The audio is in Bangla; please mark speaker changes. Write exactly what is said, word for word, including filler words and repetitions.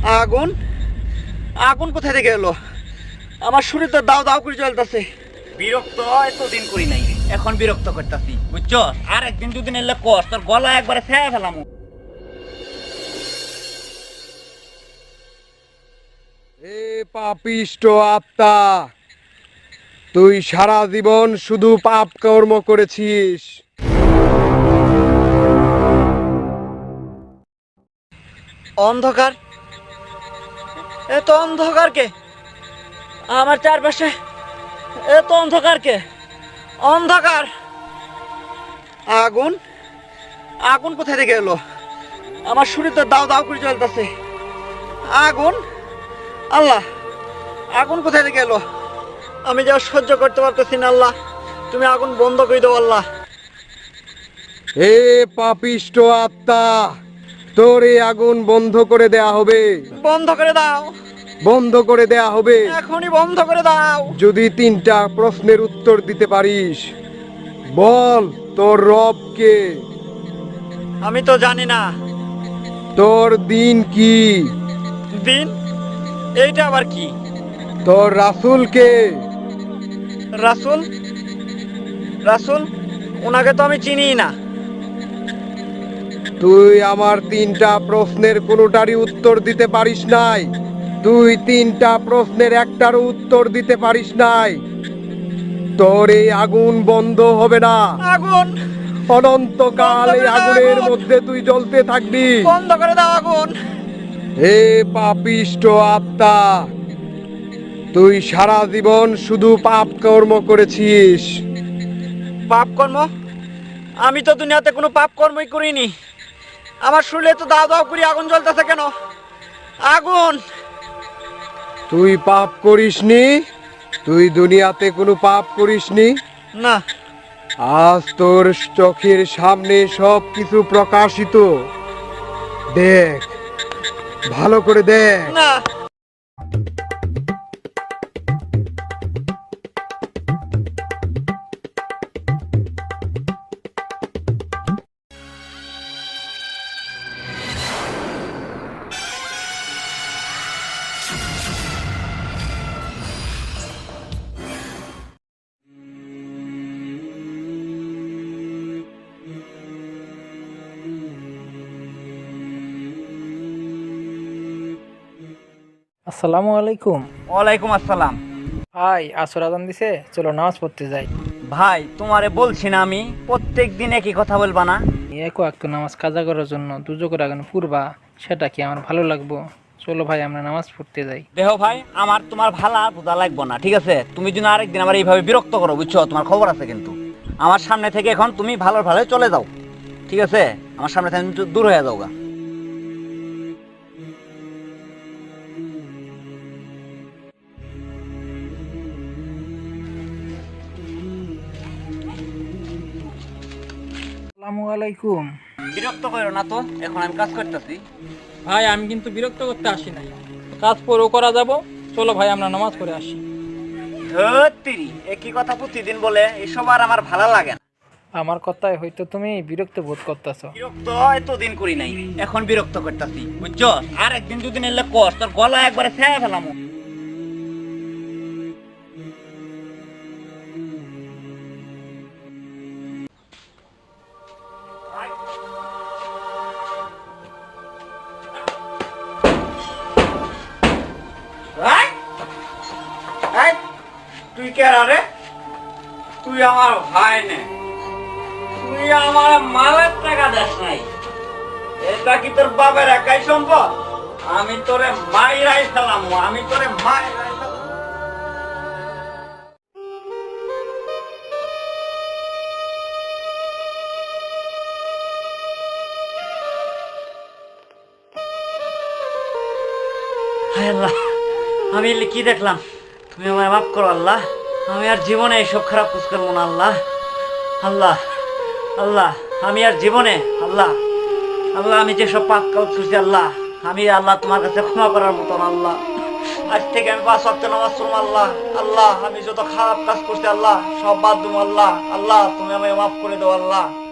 Speaker 1: আগুন আগুন কোথায় থেকে এলো? আমার শরীর তো দাও দাও করে জ্বলতেছে।
Speaker 2: বিরক্ত এতদিন করি নাই, এখন বিরক্ত করতেছি বুঝছো। আর একদিন দুদিন এলে কস তোর গলা একবারে ছেড়ে ফেলাম।
Speaker 3: এ পাপিষ্ট আত্মা, তুই সারা জীবন শুধু পাপ কর্ম করেছিস।
Speaker 1: অন্ধকার, এত অন্ধকার কে আমার চারপাশে? এত অন্ধকার কে? অন্ধকার। আগুন আগুন কোথায় থেকে এলো? আমার শরীর তো দাও দাও করে জ্বলতেছে। আগুন, আল্লাহ, আগুন কোথায় থেকে এলো? আমি যা সহ্য করতে পারতেছি না আল্লাহ, তুমি আগুন বন্ধ করে দাও আল্লাহ।
Speaker 3: এ পাপিষ্ট আত্মা, তোর এই আগুন বন্ধ করে দেয়া হবে।
Speaker 1: বন্ধ করে দাও,
Speaker 3: বন্ধ করে দেয়া হবে
Speaker 1: এখনই বন্ধ করে দাও।
Speaker 3: যদি তিনটা প্রশ্নের উত্তর দিতে পারিস। বল, তোর রব কে?
Speaker 1: আমি তো জানি না।
Speaker 3: তোর দিন কি?
Speaker 1: দিন? এইটা আবার কি?
Speaker 3: তোর রাসূল কে?
Speaker 1: রাসূল? রাসূল? ওনাকে তো আমি চিনি না।
Speaker 3: তুই আমার তিনটা প্রশ্নের কোনোটারই উত্তর দিতে পারিস নাই। তুই তিনটা প্রশ্নের একটারও উত্তর দিতে পারিস নাই। তোর এই আগুন বন্ধ হবে না।
Speaker 1: আগুন
Speaker 3: অনন্তকাল এই আগুনের মধ্যে তুই জ্বলতে থাকবি।
Speaker 1: বন্ধ করে দাও আগুন।
Speaker 3: হে পাপিষ্ট আত্মা, তুই সারা জীবন শুধু পাপ কর্ম করেছিস।
Speaker 1: পাপ কর্ম? আমি তো দুনিয়াতে কোনো পাপ কর্মই করিনি। আমার শরীরে তো দাও দাও করে আগুন জ্বলতেছে কেন? আগুন!
Speaker 3: তুই পাপ করিসনি? তুই দুনিয়াতে কোনো পাপ করিসনি?
Speaker 1: না।
Speaker 3: আজ তোর চোখের সামনে সব কিছু প্রকাশিত। দেখ, ভালো করে দেখ।
Speaker 1: না।
Speaker 4: আসসালামু আলাইকুম।
Speaker 2: ওয়ালাইকুম আসসালাম।
Speaker 4: ভাই আসর আজান দিছে, চলো নামাজ পড়তে যাই।
Speaker 2: ভাই তোমারে বলছি না আমি প্রত্যেক দিন একই কথা বলবা না?
Speaker 4: এক ওয়াক্ত নামাজ কাজা করার জন্য দুজকের আগুন পুরবা, সেটা কি আমার ভালো লাগবো? চলো ভাই আমরা নামাজ পড়তে যাই।
Speaker 2: দেহ ভাই, আমার তোমার ভালো আর বোঝা লাগবো না, ঠিক আছে? তুমি যদি আরেকদিন আমার এইভাবে বিরক্ত করো বুঝছো, তোমার খবর আছে কিন্তু। আমার সামনে থেকে এখন তুমি ভালো ভালো চলে যাও, ঠিক আছে? আমার সামনে থেকে তুমি দূর হয়ে যাও গা।
Speaker 4: আসসালামু আলাইকুম।
Speaker 2: বিরক্ত করো না তো, এখন আমি কাজ করতেছি।
Speaker 4: ভাই আমি কিন্তু বিরক্ত করতে আসি নাই, কাজ পরেও করা যাব। চলো ভাই আমরা নামাজ পড়ে আসি।
Speaker 2: ধত্তিরি, একই কথা প্রতিদিন বলে এসব আর আমার ভালো লাগে না।
Speaker 4: আমার কথায় হয়তো তুমি বিরক্ত বোধ করতেছো।
Speaker 2: বিরক্ত এতদিন করি নাই, এখন বিরক্ত করতেছি বুঝছো। আর একদিন দুদিন এলে কস তোর গলা একবারে ছেড়ে ফেলাম।
Speaker 1: তুই কে রে? তুই আমার ভাই নে, তুই আমার মালের টাকা দেস নাই। এটা কি তোর বাবার একাই সম্পদ? আমি তোরে মাইরাই ফেলাম, আমি তোরে মাইরাই ফেলাম। হায় আল্লাহ, আমি এলে কি দেখলাম? তুমি আমায় মাফ করো আল্লাহ, আমি আর জীবনে এইসব খারাপ কাজ করবো না আল্লাহ। আল্লাহ আল্লাহ, আমি আর জীবনে আল্লাহ আল্লাহ আমি যেসব পাপ কাজ করছি আল্লাহ, আমি আল্লাহ তোমার কাছে ক্ষমা করার মতন আল্লাহ। আজ থেকে আমি পাঁচ ওয়াক্ত নামাজ পড়বো আল্লাহ। আল্লাহ আমি যত খারাপ কাজ করছি আল্লাহ সব বাদ দেবো আল্লাহ। আল্লাহ তুমি আমায় মাফ করে দাও আল্লাহ।